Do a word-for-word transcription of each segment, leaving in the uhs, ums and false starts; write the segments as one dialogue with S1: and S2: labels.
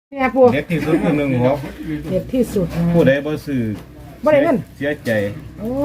S1: เนี่ยปู
S2: เด็ดที่สุดคือหนึ่งหก
S1: เด็ดที่สุดนะ
S2: ผู้ใดบ่ซื้อ
S1: บ่ได้เงิน
S2: เสียใจ
S1: โอ้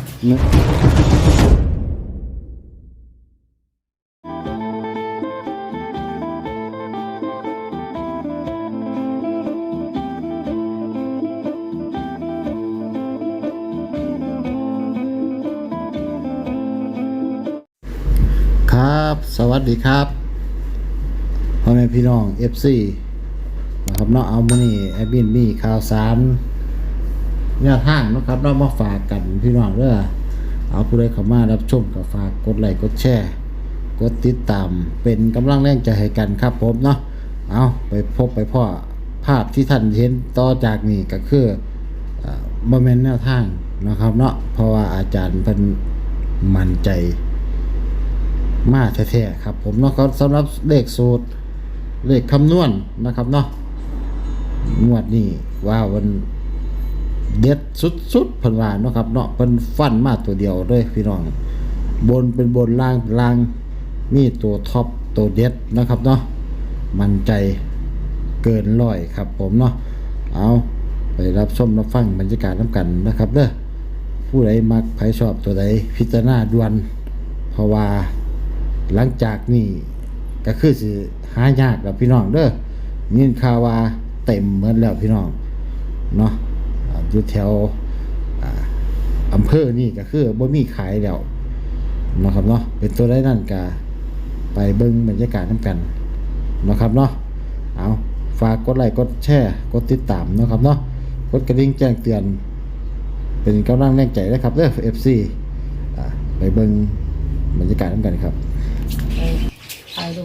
S3: ครับสวัสดีครับพ่อแม่พี่น้อง เอฟ ซี นะครับเนาะเอามื้อนี้แอดมินมีข่าวสารแนวทางนะครับเรามาฝากกันพี่น้องเด้อเอาผู้ใดเข้ามารับชมก็ฝากกดไลค์กดแชร์กดติดตามเป็นกำลังแรงใจให้กันครับผมเนาะเอาไปพบไปพ่อภาพที่ท่านเห็นต่อจากนี้ก็คืออ่าบ่แม่นแนวทางนะครับเนาะเพราะว่าอาจารย์เพิ่นมั่นใจมาแท้ๆครับผมเนาะก็สำหรับเลขสูตรเลขคำนวณนะครับเนาะงวดนี้ว่าวันเด็ดสุดๆเพิ่นว่าเนาะครับเนาะเพิ่นฟันมาตัวเดียวเลยพี่น้องบนเป็นบนล่างเป็นล่างมีตัวท็อปตัวเด็ดนะครับเนาะมั่นใจเกินร้อยครับผมเนาะเอาไปรับชมรับฟังบรรยากาศน้ำกันนะครับเด้อผู้ใดมักใครชอบตัวใดพิจารณาด่วนเพราะว่าหลังจากนี้ก็คือสิหายากแล้วพี่น้องเด้อยินข่าวว่าเต็มเหมือนแล้วพี่น้องเนาะอยู่แถวอำเภอนี่ก็คือบ่มีขายแล้วนะครับเนาะเป็นตัวได้นั่นก็ไปเบิ่งบรรยากาศนำกันนะครับเนาะเอาฝากกดไลค์กดแชร์กดติดตามนะครับเนาะกดกระดิ่งแจ้งเตือนเป็นกำลังแรงใจนะครับเด้อ เอฟ ซี อ่าไปเบิ่งบรรยากาศนำกันครับ
S1: ไปลง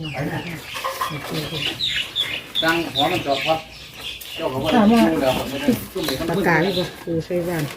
S2: ตั้งหัวมันจอบครับเจ้าก็บ่ได้ดูแล้ว
S1: ประกาศเลยบ่ปูใส่บ้าน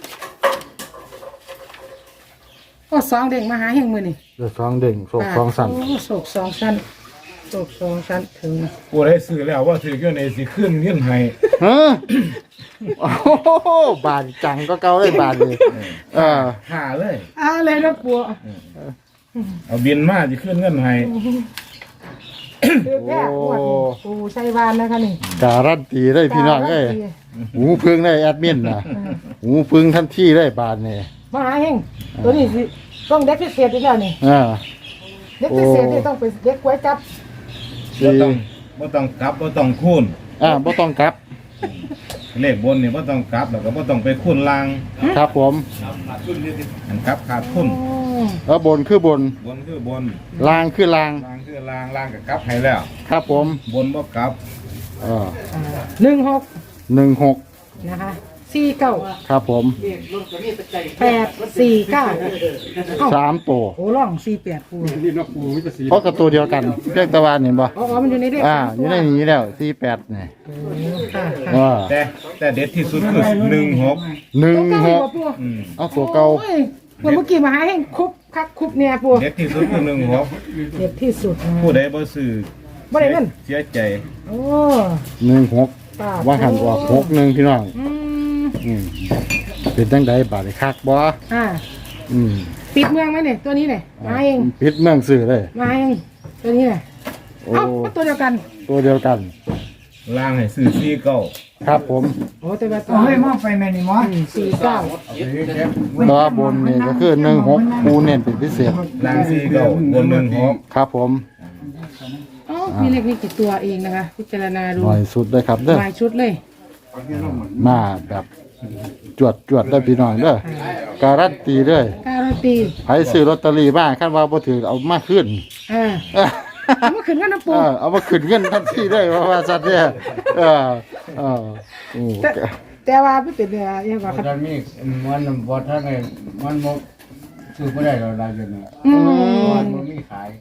S1: โอ้สองเด้งมาหาแห่งมื้อนี่
S3: เดือดสองเด้งโศกสองสั้น
S1: โอ้โศกสองสั้นโศกสองสั้นถึง
S2: ผู้ใดซื้อแล้วว่าถืออยู่ในสิขึ้นเงินให้
S3: ฮะโอ้โหบานจังก็เก่าเลยบานเลยเออ
S2: หาเลย
S1: อ่าเลยนะปู
S2: เอาบินมาสิขึ้นเงินให้
S1: คือแค่ปวดปูใส่บ้านนะคะนี่
S3: การันตีได้พี่น้องเอ้ยหูพึ่งได้แอดมินนะหูพึ่งทันทีได้บานนี่
S1: มาหาเฮงตัวนี้สิต้องเด็กพิเศษอีกแล้วนี่
S3: อ่า
S1: เด็กพิเศษนี่ต้องเป็นเด็กก๋วยจับ
S2: บ่ต้องบ่ต้องกลับบ่ต้องคูณ
S3: อ่าบ่ต้องกลับ
S2: เลขบนนี่บ่ต้องกลับแล้วก็บ่ต้องไปคูณล่าง
S3: ครับผม
S2: อันกลับขาดทุน
S3: แล้วบนคือบน
S2: บนคือบน
S3: ล่างคือล่าง
S2: ล่างคือล่างล่างก็กลับให้แล้ว
S3: ครับผม
S2: บนบ่กลับ
S3: เออ
S1: หนึ่งหก
S3: หนึ่งหก
S1: นะคะสี่เก้า
S3: ครับผม
S1: แปดสี่เก้า
S3: สามตัว
S1: โอ้ล่องสี่แปดปู
S3: เพราะกับตัวเดียวกันเพียงตะวันเห็นป่ะ
S1: อ๋อมันอยู่ในเด็ก
S3: อ่าอยู่ในนี้แล้วสี่แปดนี่
S2: แต่แต่เด็ดที่สุดคือหนึ่งหก
S3: หนึ่งหกเอาตัวเก่า
S1: เมื่อกี้มาให้คุบคักคุบเนี่ยปู
S2: เด็ดที่สุดคือหนึ่งหก
S1: เด็ดที่สุด
S2: ผู้ใดบ่ซื้อ
S1: บ่ได้เงิน
S2: เสียใจ
S1: โอ้
S3: หนึ่งหกว่าหันออกหกหนึ่งพี่น้องอืมเป็นตั้งใดบาทคักบ่
S1: อ่า
S3: อืม
S1: ปิดเมืองไหมเนี่ยตัวนี้เนี่ยมาเอง
S3: ปิดเมืองซื้อเลย
S1: มาเองตัวนี้เนี่ยเอ้าตัวเดียวกัน
S3: ตัวเดียวกัน
S2: ล่างให้ซื้อสี่เก้า
S3: ครับผม
S1: โอ้แต่ว่า
S4: ตัวเฮ้ยมอไปแม่นี่มอ
S1: สี่เก้า
S3: ตัวบนนี่ก็คือหนึ่งหกปูเน้นเป็นพิเศษ
S2: ล่างสี่เก้าบนหนึ่งหก
S3: ครับผม
S1: อ๋อมีเลขนี้กี่ตัวเองนะคะพิจารณาดู
S3: หน่อยสุดเลยครับเด้อ
S1: หลายชุดเลย
S3: มาแบบจวดจวดได้พี่น้องเด้อการันตีเลย
S1: การันตี
S3: ใครซื้อลอตเตอรี่บ้างขั้นว่าบ่ถือเอามาขึ้น
S1: อ่าเอามาขึ้นเงินนะปู
S3: เอามาขึ้นเงินทันทีได้ว่าว่าสัตว์เนี่ยเออเออ
S1: แต่แต่ว่าไม่เป็นเนี่ยยังว่าครับ
S4: ตอนนี้มันบ่ท่านเลยมันบ่ซื้อบ่ได้เราได้เลยมันบ่มีขาย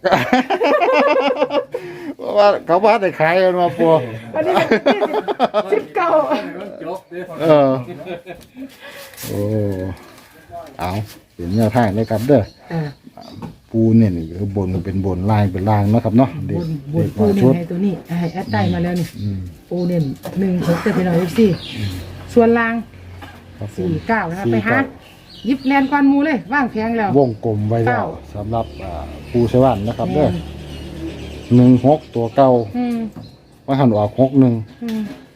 S3: ว่าเขาว่าได้ขายกันมาปัว
S1: อันนี้สิบเก้า
S3: เออโอ้เอาเป็นแนวทางเลยครับเด้อปูเนี่ยนี่คือบนเป็นบนล่างเป็นล่างนะครับเนาะ
S1: บนบนปูเนี่ยให้ตัวนี้ให้แอดได้มาแล้วนี่ปูเนี่ยหนึ่งหกจะเป็นหน่อยสิส่วนล่างสี่เก้านะครับไปหายิบแนนก้อนมูเลยว่างแพงแล้ว
S3: วงกลมไว้แล้วสำหรับปูเชวันนะครับเด้อหนึ่งหกตัวเก่าว่าหันออกหกหนึ่ง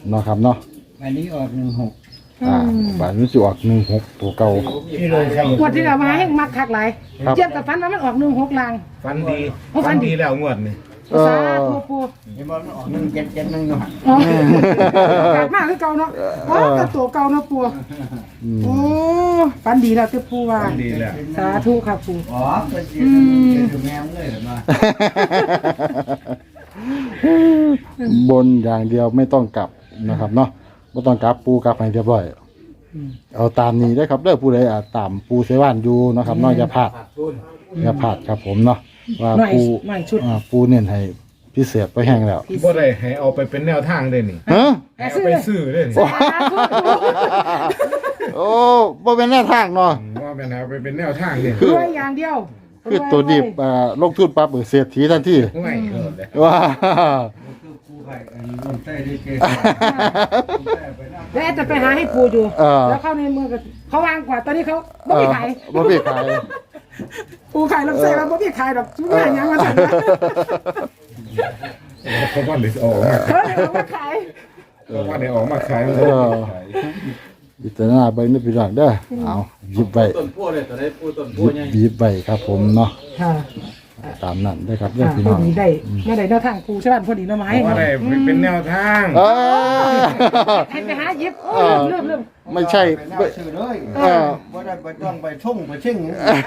S3: เนาะครับเนาะ
S4: อันนี้ออกหนึ่งหก
S3: อ่าบาทนี้สิออกหนึ่งหกตัวเก่า
S4: ที่เลยใช่
S1: งวดที่เรามาให้มักคักหลาย
S3: ครับ
S1: เทียบกับฟันว่ามันออกหนึ่งหกลาง
S2: ฟันดี
S1: โอ้ฟั
S2: ฟั
S1: น
S2: น
S1: ดี
S2: ดีแล้วงวดนี่
S3: เออ
S1: สาธุปู
S4: เห็นบอกมันออกหนึ่งเจ็ดเจ็ดหนึ่งอยู่หัน
S1: อ๋อขาดมากคือเก่าเนาะอ๋อแต่ตัวเก่าเนาะปูโอ้ฟันดีแล้วคือปูว่า
S2: ฟันดีแล้ว
S1: สาธุครับปู
S4: อ๋อเป็นจีนเป็นถึงแมวเลยเหรอมา
S3: บนอย่างเดียวไม่ต้องกลับนะครับเนาะไม่ต้องกลับปูกลับให้เรียบร้อยเอาตามนี้ได้อครับเด้อผู้ใดอาจตามปูเสว่านอยู่นะครับเนาะอย่าพลาดอย่าพลาดครับผมเนาะว่า
S1: หน่อย
S3: ปู
S1: หน่อยชุด
S3: อ่าปูเน้นให้พิเศษไปแห้งแล้ว
S2: บ่ได้ให้เอาไปเป็นแนวทางเลยนี่
S3: ฮะ
S1: แอ
S2: ให้
S1: บ
S2: เอา
S1: ซื้อ
S2: ไป
S1: เลย
S2: ซื้อเลยนี่
S1: สาธุปู
S3: โอ้บ่เป็นแนวทางเนาะ
S2: ว่าเป็นเอาไปเป็นแนวทางเลย
S1: รวยอย่างเดียว
S3: คือตัวดิบอ่าลงทุนปั๊บเออเศรษฐีทันที
S2: ไม่เกิดเลย
S3: ว้า
S4: คือคู่ไข่อันนี้ลงใต้ได้เก
S1: แล้วแอดจะไปหาให้ปูอยู่
S3: เออ
S1: แล้วเข้าในมือกับเขาวางกว่าตอนนี้เขาบ่มีขาย
S3: บ่มีขาย
S1: ปูขายลำไส้แล้วบ่มีขายดอกทุกอย่างยังมาสั่งนะ
S2: เขาว่าเดี๋ยวออกมา
S1: เขาเลยเอามาขาย
S2: เขาว่าเดี๋ยวออกมาขายมัน
S3: เออ พิจารณาเบิ่งนี่พี่น้องเด้อเอาหยิบไว้
S2: ต้นพัวเลยตอนนี้พูดต้น
S3: หยิบหยิบไว้ครับผมเนาะ
S1: ค่ะ
S3: ตามนั้นได้อครับเด้อ
S1: ค่ะ
S3: พี่
S1: พ
S3: น้
S1: อ
S3: อง
S1: ดีได้เมื่อใดแนวทางปูใช่ป่ะพอดีเนาะไม้
S2: ว่าได้เป็นแนวทาง
S3: เออ
S1: ให้ไปหาหยิบ
S3: เออ
S1: เริ่มเริ่ม
S3: ไม่ใช่
S4: ไป
S3: ไม่
S4: ซื้อเลย
S3: เออ
S4: ว่าได้ไปต้องไปช่งไปชิ่ง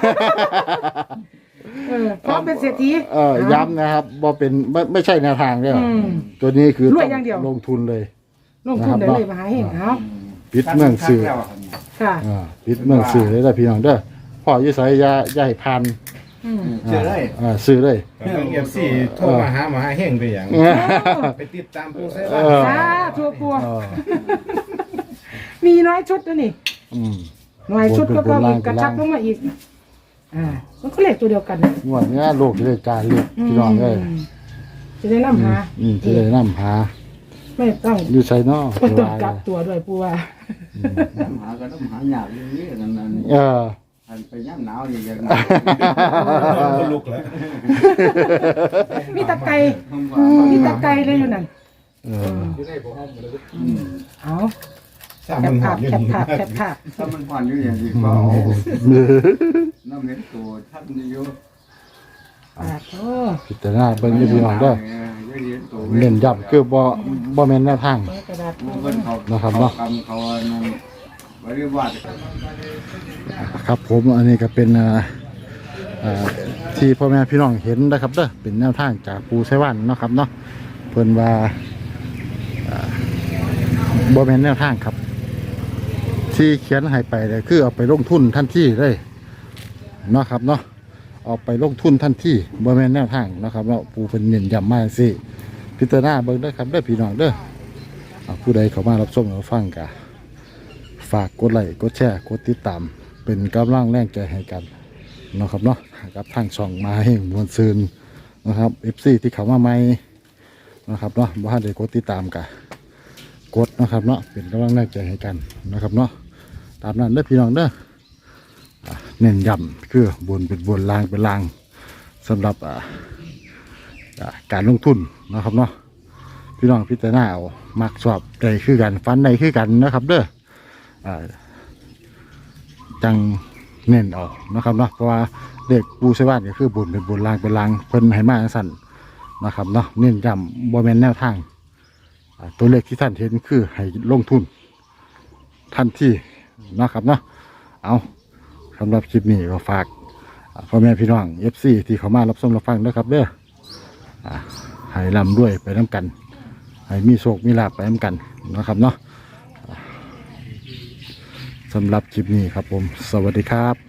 S1: เออพร้อมเป็นเศรษฐี
S3: เออย้ำนะครับบ่เป็นไม่ไม่ใช่แนวทางเด้ออ
S1: อืม
S3: ตัวนี้คือ
S1: รวย
S3: ต้
S1: อย่างเดียว
S3: ลงทุนเลย
S1: ลงทุนได้เลยมาหาเห็นเอา
S3: ปิดเมืองสื่อ
S1: ค่ะ
S3: อ่าปิดเมืองสื่อเลยเด้อพี่น้องเด้อพ่ออยู่ไสอย่าอย่าให้พัน
S1: อืม
S4: ซื้อเลย
S3: อ่าซื้อเลย
S2: เป็นเอฟซีโทรมาหามาหาเฮงไปอย่างไปติดตามปูเซ
S3: เอ
S2: ว่า
S3: อ
S1: สาธุปู
S3: เออ
S1: มีน้อยชุดนะนี่
S3: อืม
S1: น้อยชุดก็ก็
S3: บนเป็นบนล่าง
S1: กระชับลงมาอีกอ่ามันก็เลขตัวเดียวกันนะ
S3: งวดเนี้ยโลกจะได้การเรียกพี่น้องเอ้ย
S1: มจะได้นำหา
S3: อืมจะได้นำหา
S1: ไม่ต้อง
S3: อยู่ไสเนาะ
S1: ไม่ต้องกลับตัวด้วยปูว่า
S4: น้ำหาก็น้ำหาหยาบอย่างนี้นั่นนั่น
S3: เออ
S4: อันไปย่ำหนาวอย่างเงี้ย
S2: ก็ลุกแล้ว
S1: มีตะไคร้มีตะไคร้เลยอยู่นั่น
S3: เออ
S1: เอา
S2: สาม
S1: แค
S2: มั
S1: บ
S2: นหอ
S1: ภาม พ
S2: อย่าง
S1: แคบ
S2: นี้
S1: ภาพแคบภาพ
S4: ถ้ามันผ่อนอยู่อย่างนี้ก็เอาน้ำเล็กตัวท่านอยู่
S1: ปาดโอ้
S3: พิจารณาเบิ่งอยู่พี่น้องเด้อ
S4: ตัว
S3: เน้นย้ำคือบ่บ่แม่นแนวทาง
S1: เปิดกระดาษปู
S4: เพิ่นเขา
S3: นะครับเนาะ
S4: กำเขานั่นบริวาร
S3: ครับผมอันนี้ก็เป็นอ่าอ่าที่พ่อแม่พี่น้องเห็นนะครับเด้อเป็นแนวทางจากปูไซวันเนาะครับเนาะเพิ่นว่าอ่าบ่แม่นแนวทางครับ ที่เขียนให้ไปเลยคือเอาไปลงทุนทันทีเลยเนาะครับเนาะเอาไปลงทุนทันทีบ่แม่นแนวทางเนาะครับเนาะปูเป็นเน้นย้ำมาสิพิจารณาเบิ่งเด้อครับเด้อพี่น้องเด้ออ่าผู้ใดเข้ามารับชมรับฟังกะฝากกดไลค์กดแชร์กดติดตามเป็นกำลังแรงใจให้กันเนาะครับเนาะกับทางช่องมาให้มวลซืนนะครับ เอฟ ซี ที่เข้ามาใหม่นะครับเนาะบ่ทันได้กดติดตามกะกดนะครับเนาะเป็นกำลังแรงใจให้กันนะครับเนาะตามนั้นเด้อพี่น้องเด้ออ่าเน้นย้ำคือบนเป็นบนล่างเป็นล่างสำหรับอ่าอ่าการลงทุนนะครับเนาะพี่น้องพิจารณาเอามักชอบใดคือกันฟันใดคือกันนะครับเด้ออ่าจังเน้นเอานะครับเนาะเพราะว่าเด็กปูใช้บ้านก็คือบนเป็นบนล่างเป็นล่างเพิ่นให้มาจังสั่นนะครับเนาะเน้นย้ำบ่แม่นแนวทางอ่าตัวเลขที่ท่านเห็นคือให้ลงทุนทันทีนะครับเนาะเอาสำหรับคลิปนี้ก็ฝากอ่าพ่อแม่พี่น้อง เอฟ ซี ที่เขามารับชมรับฟังนะครับเด้ออ่าให้ร่ำด้วยไปน้ำกันให้มีโชคมีลาภไปน้ำกันนะครับเนาะอ่าสำหรับคลิปนี้ครับผมสวัสดีครับ